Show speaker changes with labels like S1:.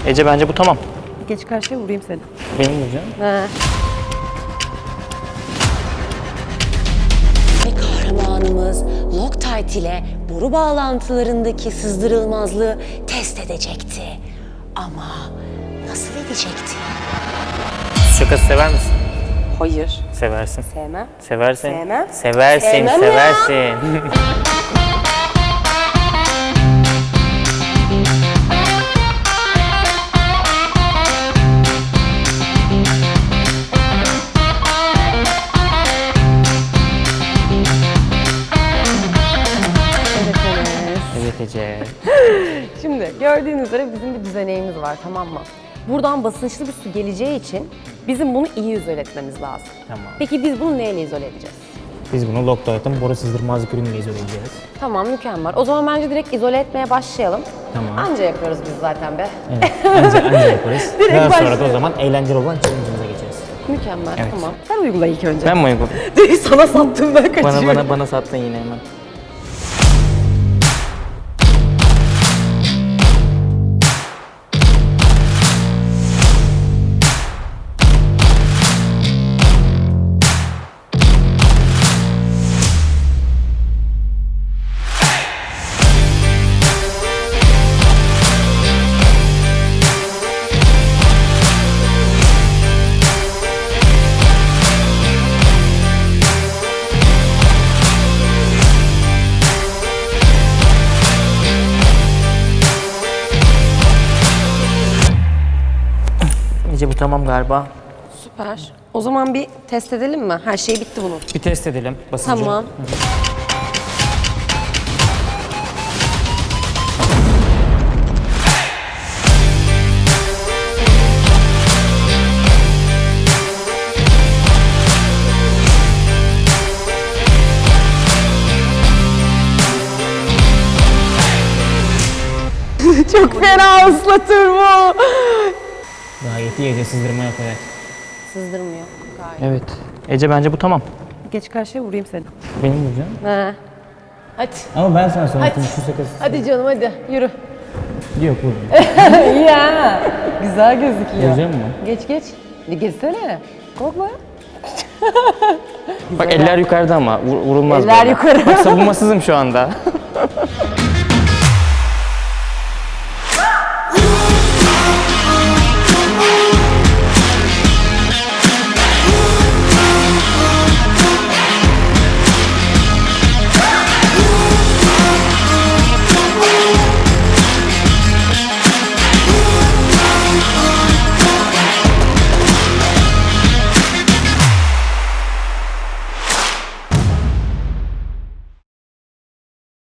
S1: Ece bence bu tamam.
S2: Geç karşıya vurayım seni.
S1: Benim vuracağım.
S2: He.
S3: Ve kahramanımız Loctite ile boru bağlantılarındaki sızdırılmazlığı test edecekti. Ama nasıl edecekti?
S1: Şakası sever misin?
S2: Hayır.
S1: Seversin.
S2: Sevmem.
S1: Seversin.
S2: Sevmem.
S1: Seversin,
S2: Sevmem ya.
S1: seversin. Evet Ece.
S2: Şimdi gördüğünüz üzere bizim bir düzeneğimiz var, tamam mı? Buradan basınçlı bir su geleceği için bizim bunu iyi izole etmemiz lazım.
S1: Tamam.
S2: Peki biz bunu neyle izole edeceğiz?
S1: Biz bunu Loctite'ın boru sızdırmazlık ürünüyle izole edeceğiz.
S2: Tamam, mükemmel. O zaman bence direkt izole etmeye başlayalım.
S1: Tamam.
S2: Anca yapıyoruz biz zaten be.
S1: Evet, anca yaparız.
S2: Direkt
S1: Daha sonra da
S2: başlıyoruz.
S1: o zaman eğlenceli olan challenge'ımıza geçeriz.
S2: Mükemmel,
S1: Evet.
S2: tamam. Sen uygula ilk önce.
S1: Ben mi uyguladım?
S2: Direkt sana sattım, ben kaçıyorum.
S1: Bana sattın yine hemen. Ece bu tamam galiba.
S2: Süper. O zaman bir test edelim mi? Her şey bitti bunun.
S1: Bir test edelim basıncı.
S2: Tamam. Çok fena ıslatır bu.
S1: Gayet iyi Ece, sızdırmaya kadar.
S2: Sızdırmıyor gayet.
S1: Evet. Ece bence bu tamam.
S2: Geç karşıya vurayım seni.
S1: Benim vuracağım.
S2: He. Hadi.
S1: Ama ben sana sonra
S2: Hadi.
S1: şu sakız.
S2: Hadi canım hadi yürü.
S1: Yok vurma.
S2: Ya. Güzel gözüküyor.
S1: Vuracağım mı?
S2: Geç geç. Geçsene. Korkma.
S1: Bak eller yukarıda ama vurulmaz
S2: Eller
S1: böyle.
S2: yukarı.
S1: Bak savunmasızım şu anda.